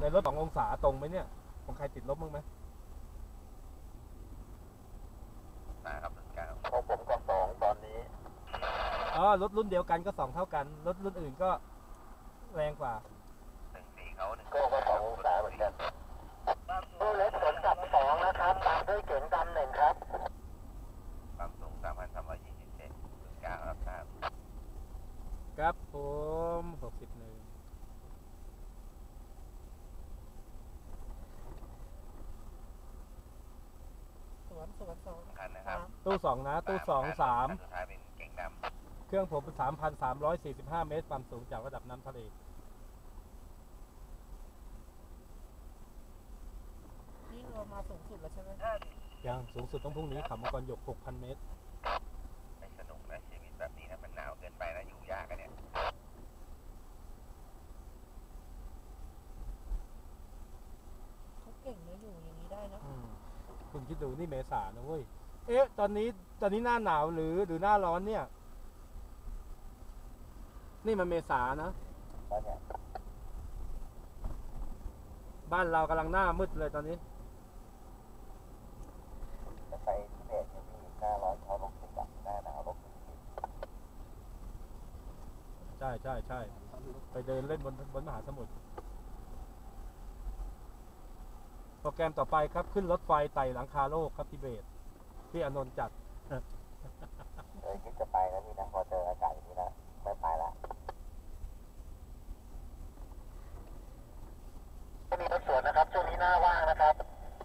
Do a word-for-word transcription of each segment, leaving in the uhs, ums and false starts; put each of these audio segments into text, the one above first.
ในรถสององศาตรงไหมเนี่ยของใครติดลบมั้งไหมนะครับหนึ่งเก้าของผมก็สองตอนนี้อ๋อรถรุ่นเดียวกันก็สองเท่ากันรถรุ่นอื่นก็แรงกว่าหนึ่งสี่เขาหนึ่งก็ก็สององศาเหมือนกันตู้เล็กสมกับสองนะครับตามด้วยเก๋งดำหนึ่งครับความสูงสามพันสามร้อยยี่สิบเซนหนึ่งเก้ารับทราบครับผมหกสิบหนึ่งสวนสวนสองคันนะครับตู้สองนะตู้สองสามสุดท้ายเป็นเก๋งดำเครื่องผมสามพันสามร้อยสี่สิบห้าเมตรความสูงจากระดับน้ำทะเลนี่เรามาสูงสุดแล้วใช่ไหมยังสูงสุดต้องพรุ่งนี้เขามังกรหยก หกพัน เมตรไม่สนุกนะชีวิตแบบนี้นะมันหนาวเกินไปนะอยู่ยากกันเนี่ยเขาเก่งนะอยู่อย่างนี้ได้นะคุณคิดดูนี่เมษานะเว้ยเอ๊ะตอนนี้ตอนนี้หน้าหนาวหรือหรือหน้าร้อนเนี่ยนี่มันเมษานะบ้านเรากำลังหน้ามืดเลยตอนนี้จะไปทิเบตอยู่ที่หน้าร้อนเขาลบสิบหน้าหนาวลบสิบใช่ใช่ใช่ไปเดินเล่นบนบนมหาสมุทรโปรแกรมต่อไปครับขึ้นรถไฟไต่หลังคาโลกครับทิเบตที่อานนท์จัดเออคิดจะไปแล้วนี่นะพอเจออากาศอย่างนี้นะไม่ไปละก็มีรถสวนนะครับช่วงนี้หน้าว่างนะครับ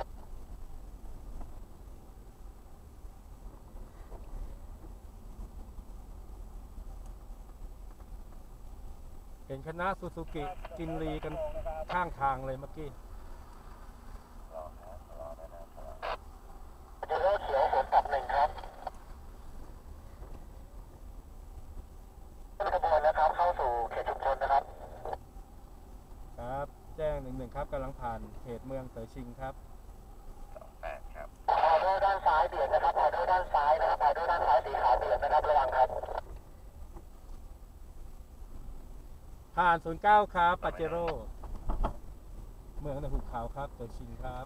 เห็นคณะซูซูกิกินรีกันข้างทางเลยเมื่อกี้รอนะรอนะนะรอเดี๋ยวเขียวผมกับหนึ่งครับขบวนนะครับเข้าสู่เขตชุมชนนะครับครับแจ้งหนึ่งหนึ่งครับกำลังผ่านเขตเมืองเต๋อชิงครับสองแปดครับออเดอร์ด้านซ้ายเบียดนะครับออเดอร์ด้านซ้ายนะครับออเดอร์ด้านซ้ายสีขาวเบียดนะครับระวังครับผ่านศูนย์เก้าครับปาเจโร่เมืองในหุบเขาครับเต๋อชิงครับ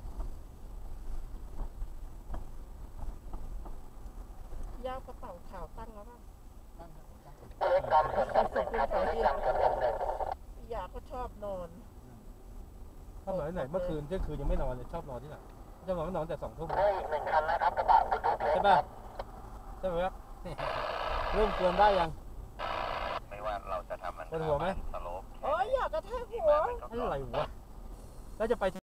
ยาวกระเป๋าขาวตั้งแล้วป่ะตั้งเล็กดำส่วนกับหนึ่งครับเล็กดำส่วนกับหนึ่งพี่ยาก็ชอบนอนชอบนอนที่ไหนเมื่อคืนเที่ยงคืนยังไม่นอนเลยชอบนอนที่ไหนชอบนอนก็นอนแต่สองทุ่มได้อีกหนึ่งคันนะครับกระบะบุกเล็กใช่ป่ะใช่ไหมครับเริ่มเตือนได้ยังไม่ว่าเราจะทำมันเป็นหัวไหมสโลปโอ้ยอยากกระแทกหัวอะไรวะแล้วจะไป